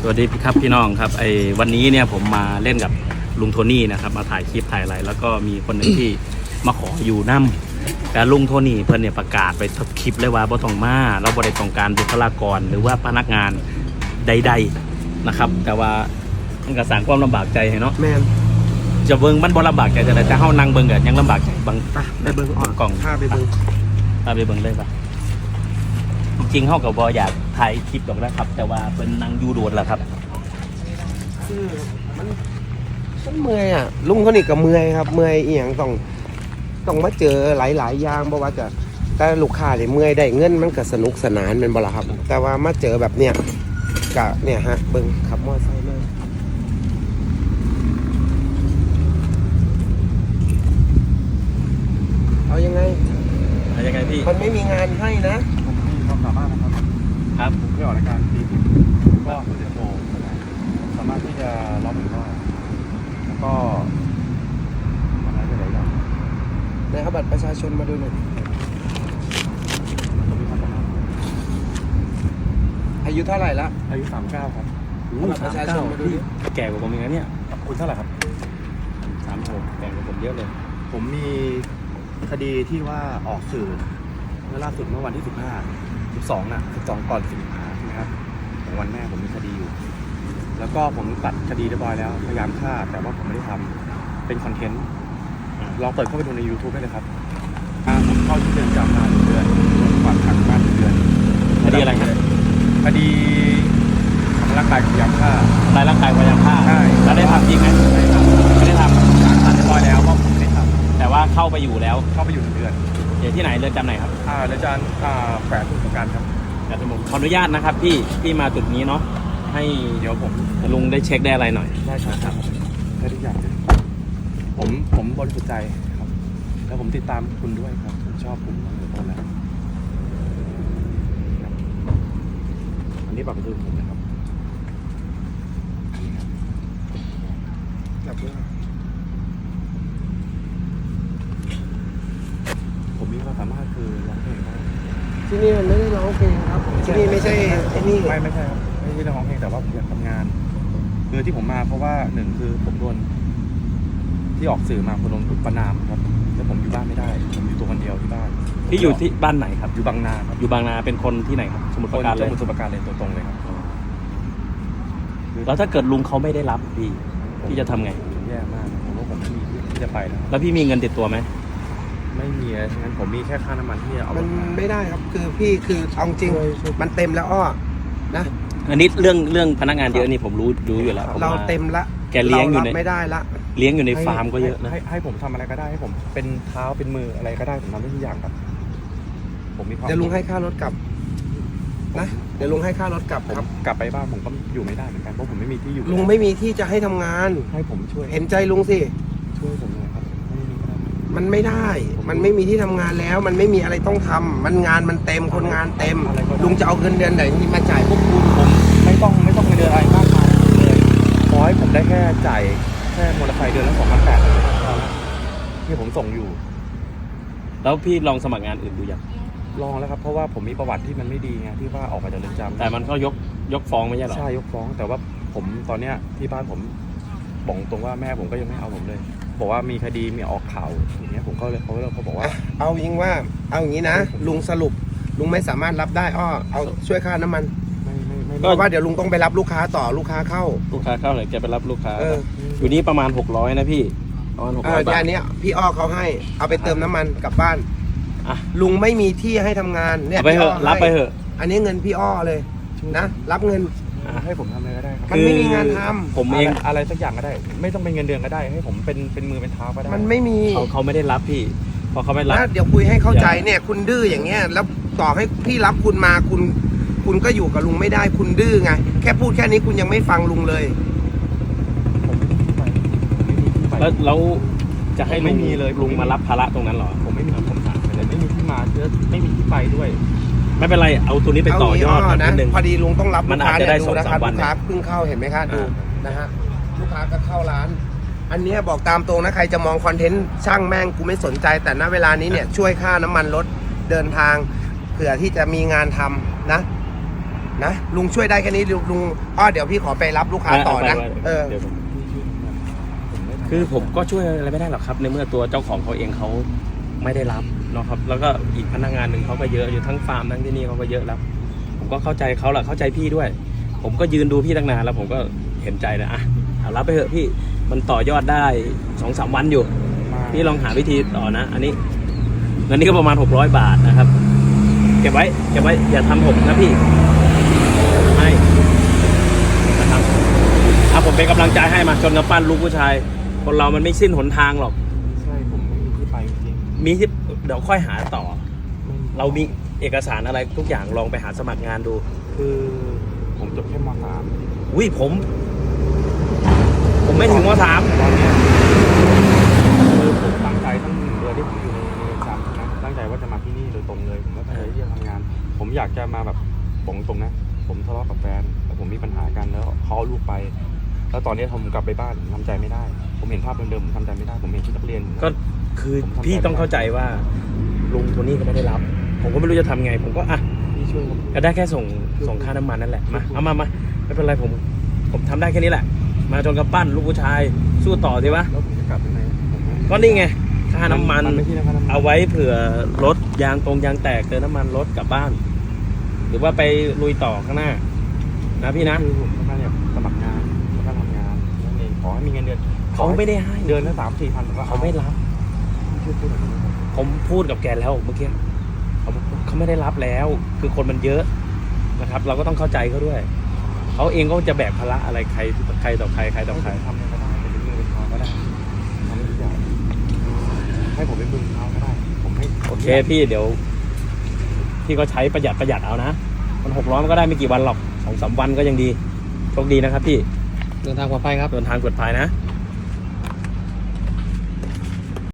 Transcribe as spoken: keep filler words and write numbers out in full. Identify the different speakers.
Speaker 1: สวัสดีครับพี่น้องครับไอ้วันนี้เนี่ยผมมาเล่นกับลุงโทนี่นะครับมาถ่ายคลิปถ่ายอะไรแล้วก็มีคนหนึ่งที่มาขออยู่น้ำแต่ลุงโทนี่เพิ่นเนี่ยประกาศไปทุกคลิปเลยว่าบ่ต้องมาเราบ่ได้ต้องการบุคลากรหรือว่าพนักงานใดๆนะครับแต่ว่ามันก็สร้างความลำบากใจให้เนาะ
Speaker 2: แม่น
Speaker 1: จะเบิ่งมันบ่ลำบากใจแต่แต่เฮานั่งเบิ่งก็ยังลำบากใจบาง
Speaker 2: ไปเบิ่งอ่อน
Speaker 1: กล่อง
Speaker 2: พาไปเบิ่ง
Speaker 1: พาไปเบิ่งเลยป่ะจริงๆเฮาก็บ่อยากถ่ายคลิปดอกนะครับแต่ว่าเพิ่นนั่งอยู่โดดแล้วครับ
Speaker 2: คือมันมันเมื่อยอ่ะลุงเขานี่ก็เมื่อยครับเมื่อยอีหยังต้องต้องมาเจอหลายๆอย่างบ่ว่าจะแต่ลูกค้าเนี่ยเมื่อยได้เงินมันก็สนุกสนานเป็นบ่ล่ะครับแต่ว่ามาเจอแบบเนี้ยก็เนี่ยฮะเบิ่งขับมอเตอร์ไซค์เลยเอายังไง
Speaker 1: เอายังไงพี่
Speaker 2: มันไม่มีงานให้นะ
Speaker 3: ผมมีความสามารถนะครับ
Speaker 1: ครับ
Speaker 3: ผมไม่ออกรายการตีสิบก็ผมจะโชว์สามารถที่จะร้องเพลงได้แล้วก็ทำอะไรได้หลายอย่าง
Speaker 2: ในเอาบัตรประชาชนมาดูหน่อยอายุเท่าไหร่ละ
Speaker 3: อายุสามเก้าครับ
Speaker 2: เอาบัตรประชาชนมาดูดิ
Speaker 1: แก่กว่าผมอีกนะเนี่ย
Speaker 3: คุณเท่าไหร่ครับ
Speaker 1: สามหกแก่กว่าผมเยอะเลย
Speaker 3: ผมมีคดีที่ว่าออกสื่อเมื่อล่าสุดเมื่อวันที่สิบห้า สิบสองน่ะสิบสองก่อนสิงหาใช่ไหมครับของวันแม่ผมมีคดีอยู่แล้วก็ผมตัดคดีเรียบร้อยแล้วพยายามฆ่าแต่ว่าผมไม่ได้ทำเป็นคอนเทนต์ลองเปิดเข้าไปดูใน YouTube ได้เลยครับผมเข้าที่เดือนจำมาหนึ่งเดือนฝากขังบ้านหนึ่งเดือน
Speaker 1: คดีอะไรครับ
Speaker 3: คดีทำร่างกายพยายามฆ่า
Speaker 1: ทำลายร่างกายพยายามฆ่า
Speaker 3: ใช่
Speaker 1: แล้วได้ทำจริงไหม
Speaker 3: ไม่ได้ทำ
Speaker 1: ไม่ได้ทำ
Speaker 3: ตัดเรียบร้อยแล้วว่าผมไม่ได้ท
Speaker 1: ำแต่ว่าเข้าไปอยู่แล้ว
Speaker 3: เข้าไปอยู่หนึ่งเดือน
Speaker 1: อยู่ที่ไหนเรือนจำไหนครับ
Speaker 3: อ่าเรือนจำอ่าแขวงสมุทรปราการครับ
Speaker 1: แต่ผมขออนุญาตนะครับพี่พี่มาจุดนี้เนาะให้
Speaker 3: เดี๋ยวผม
Speaker 1: ลุงได้เช็คได้อะไรหน่อย
Speaker 3: ได้ครับได้ทุกอย่างเลยผมผมบริสุทธิ์ใจครับแล้วผมติดตามคุณด้วยครับผมชอบคุณมาตั้งแต่ต้นแล้วอันนี้บัตรประชาชนผมนะครับ
Speaker 2: จับด้วย
Speaker 3: ผมมีความสามารถคือร้องเพลงได้
Speaker 2: ที่นี่มันไม่ได้ร้องเพลงครับที่นี่ไม่ใช่ไอ้นี่
Speaker 3: ไม่ไม่ใช่ครับไม่ใช่ร้องเพลงแต่ว่าผมอยากทำงานคือที่ผมมาเพราะว่าหนึ่งคือผมโดนที่ออกสื่อมาผมโดนประนามครับแต่ผมอยู่บ้านไม่ได้ผมอยู่ตัวคนเดียวที่บ้าน
Speaker 1: พี่อยู่ที่บ้านไหนครับ
Speaker 3: อยู่บางนาครับ
Speaker 1: อยู่บางนาเป็นคนที่ไหนครับสมุทรปราการเลย
Speaker 3: สมุทรปราการเลยตัวตรงเลยครับ
Speaker 1: แล้วถ้าเกิดลุงเขาไม่ได้รับพี่พี่จะทำไง
Speaker 3: แย่มากผมว่าผมไม่มีที่จะไปแล้ว
Speaker 1: แล้วพี่มีเงินติดตัวไหม
Speaker 3: ไม่มีฉะนั้นผมมีแค่ค่าน้ำมันที่จะเอา
Speaker 2: มันไม่ได้ครับคือพี่คือเอาจริงมันเต็มแล้วอ้อนะ
Speaker 1: อันนี้เรื่องเรื่องพนักงานเยอะนี่ผมรู้รู้อยู่แล้ว
Speaker 2: เราเต็มละ
Speaker 1: แกเลี้ยงอยู่ใน
Speaker 2: ไม่ได้ละ
Speaker 1: เลี้ยงอยู่ในฟาร์มก็เยอะนะ
Speaker 3: ให้ให้ผมทำอะไรก็ได้ให้ผมเป็นเท้าเป็นมืออะไรก็ได้ผมทำได้ทุกอย่างครับผมมีความ
Speaker 2: เดี๋ยวลุงให้ค่ารถกลับนะเดี๋ยวลุงให้ค่ารถกลับครับ
Speaker 3: กลับไปบ้านผมก็อยู่ไม่ได้เหมือนกันเพราะผมไม่มีที่อยู่
Speaker 2: ลุงไม่มีที่จะให้ทำงาน
Speaker 3: ให้ผมช่วย
Speaker 2: เห็นใจลุงสิ
Speaker 3: ช่วยผมหน่อยครับ
Speaker 2: มันไม่ได้มันไม่มีที่ทำงานแล้วมันไม่มีอะไรต้องทำมันงานมันเต็มคนงานเต็มลุงจะเอาเงินเดือนไหนมาจ่ายพวกคุณ
Speaker 3: ผมไม่ต้องไม่ต้องเงินเดือนอะไรมากมายเลยขอให้ผมได้แค่จ่ายแค่มอเตอร์ไซค์เดือนละสองพันแปดที่ผมส่งอยู่
Speaker 1: แล้วพี่ลองสมัครงานอื่นดูยัง
Speaker 3: ลองแล้วครับเพราะว่าผมมีประวัติที่มันไม่ดีไงที่ว่าออกมาจากเรือนจำ
Speaker 1: แต่มันก็ยกยกฟ้องไม่ใช่หรอ
Speaker 3: ใช่ยกฟ้องแต่ว่าผมตอนเนี้ยที่บ้านผมบอกตรงว่าแม่ผมก็ยังไม่เอาผมเลยบอกว่ามีคดีมีออกข่าวอย่างเงี้ยผมก็เลยเขาเลยเขาบอกว่า
Speaker 2: เอายิงว่าเอาอย่างนี้นะลุงสรุปลุงไม่สามารถรับได้อ้อเอาช่วยค่าน้ำมัน
Speaker 3: ไม่ไม่ไม่
Speaker 2: เพราะว่าเดี๋ยวลุงต้องไปรับลูกค้าต่อลูกค้าเข้า
Speaker 1: ลูกค้าเข้าเลยแกไปรับลูกค้าอยู่นี่ประมาณหกร้อยนะพี่ประมาณหกร้อยบาท
Speaker 2: อันนี้พี่อ้อเขาให้เอาไปเติมน้ำมันกลับบ้านลุงไม่มีที่ให้ทำงานเนี่ย
Speaker 1: ไปเถอะรับไปเถอะ
Speaker 2: อันนี้เงินพี่อ้อเลยนะรับเงิน
Speaker 3: ให้ผมทำอะไรก็ได้ครับ
Speaker 2: มันไม่มีงานทำ
Speaker 1: ผมเอง
Speaker 3: อะไรสักอย่างก็ได้ไม่ต้องเป็นเงินเดือนก็ได้ให้ผมเป็นเป็นมือเป็นเท้าก็ได้
Speaker 2: มันไม่มี
Speaker 1: เขาเขาไม่ได้รับพี่พอเขาไม่รับ
Speaker 2: เดี๋ยวคุยให้เข้าใจเนี่ยคุณดื้ออย่างเงี้ยแล้วต่อให้พี่รับคุณมาคุณคุณก็อยู่กับลุงไม่ได้คุณดื้อไงแค่พูดแค่นี้คุณยังไม่ฟังลุงเลย
Speaker 1: แล้วแล้วจะให้ไม่มีเลยลุงมารับภาระตรงนั้นหรอ
Speaker 3: ผมไม่มีผมถามเลยไม่มีที่มาเยอะไม่มีที่ไปด้วย
Speaker 1: ไม่เป็นไรเอาตัวนี้ไปต่อยอด
Speaker 2: นะพอดีลุงต้องรับ
Speaker 1: มันอาจจะได้สองสามวัน
Speaker 2: ลูกค้าเพิ่งเข้าเห็นไหมคะดูนะฮะลูกค้าก็เข้าร้านอันนี้บอกตามตรงนะใครจะมองคอนเทนต์ช่างแม่งกูไม่สนใจแต่ณเวลานี้เนี่ยช่วยค่าน้ำมันรถเดินทางเผื่อที่จะมีงานทำนะนะลุงช่วยได้แค่นี้ลุงลุงอ้อเดี๋ยวพี่ขอไปรับลูกค้าต่อนะ
Speaker 1: ไปไป
Speaker 2: เออ
Speaker 1: เดี๋ยวผม
Speaker 3: ผมไม่ทำ
Speaker 1: คือผมก็ช่วยอะไรไม่ได้หรอกครับ ในเมื่อตัวเจ้าของเขาเองเขาไม่ได้รับเนาะครับ แล้วก็อีกพนักงานหนึ่งเขาก็เยอะอยู่ทั้งฟาร์มทั้งที่นี่เขาก็เยอะแล้ว ผมก็เข้าใจเขาแหละเข้าใจพี่ด้วย ผมก็ยืนดูพี่ตั้งนานแล้วผมก็เห็นใจนะอ่ะเอารับไปเถอะพี่มันต่อยอดได้สองสามวันอยู่
Speaker 3: มา
Speaker 1: พี่ลองหาวิธีต่อนะ อันนี้เงินนี้ก็ประมาณหกร้อยบาทนะครับ เก็บไว้เก็บไว้อย่าทำหกนะพี่ให้นะครับอ่ะผมเป็นกำลังใจให้มาชนกับปั้นลูกผู้ชาย คนเรามันไม่สิ้นหนทางหรอก
Speaker 3: ใช่ผมไม่มีที่ไปจริง
Speaker 1: มีที่เดี๋ยวค่อยหาต่อ
Speaker 3: ๆไม่มี
Speaker 1: เรามีเอกสารอะไรทุกอย่างลองไปหาสมัครงานดู
Speaker 3: คือผมจบแค่มสาม
Speaker 1: อุ้ยผม ผมไม่ถึงมสาม
Speaker 3: ตอนเนี้ยคือผมตั้งใจตั้งหนึ่งเดือนที่ผมอยู่ในเรือนจำนะตั้งใจว่าจะมาที่นี่โดยตรงเลยผมก็ตั้งใจที่จะทำงาน ผมอยากจะมาแบบผมตรงนะ ผมทะเลาะกับแฟนแล้วผมมีปัญหากันแล้วเขาเอาลูกไป แล้วตอนนี้ผมกลับไปบ้านผมทำใจไม่ได้ ผมเห็นภาพเดิมๆผมทำใจไม่ได้ ผมเห็นชุดนักเรียน
Speaker 1: ก็คือพี่ต้องเข้าใจว่าลุงโทนี่ก็ไม่ได้รับ ผมก็ไม่รู้จะทำไง ผมก็อ่ะ
Speaker 3: พี่ช่วยผม
Speaker 1: ก็ได้แค่ส่งส่งค่าน้ำมันนั่นแหละมาเอามามาไม่เป็นไรผมผมทำได้แค่นี้แหละ มาจนกับปั้นลูกผู้ชายสู้ต่อสิวะ
Speaker 3: แล้วผมจะกลับยังไงผมไม่
Speaker 1: ก็นี่ไงค่าน้ำมัน
Speaker 3: มันไม่ใช่น้ำมัน
Speaker 1: เอาไว้เผื่อรถยางตรงยางแตกเติมน้ำมันรถกลับบ้าน หรือว่าไปลุยต่อข้างหน้า นะพี่นะ
Speaker 3: คือผมต้องการแบบสมัครงานแล้วก็ทำงานนั่นเองขอให้มีเงินเดือน
Speaker 1: เขาไม่ได้ให้
Speaker 3: เดือนละสามสี่พันก็
Speaker 1: เขาไม่รับ
Speaker 3: ช่วยพูดหน่อยได้ไหมครับ
Speaker 1: ผมพูดกับแกแล้วเมื่อกี้เขาบอกเขาไม่ได้รับแล้ว คือคนมันเยอะนะครับ เราก็ต้องเข้าใจเขาด้วยเขาเองก็จะแบกภาระอะไรใครใครต่อใครใครต่อใคร
Speaker 3: ให้ผมทำอะไรก็ได้เป็นมือเป็นเท้าก็ได้ทำให้ทุกอย่างให้ผมเป็นมือเป็นเท้าก็ได้ ผมให้
Speaker 1: โอเคพี่เดี๋ยว พี่ก็ใช้ประหยัดประหยัดเอานะ มันหกร้อยมันก็ได้ไม่กี่วันหรอกสองสามวันก็ยังดีโชคดีนะครับพี่
Speaker 4: เดินทางปลอดภัยครับ
Speaker 1: เดินทางปลอดภัยนะ
Speaker 3: ค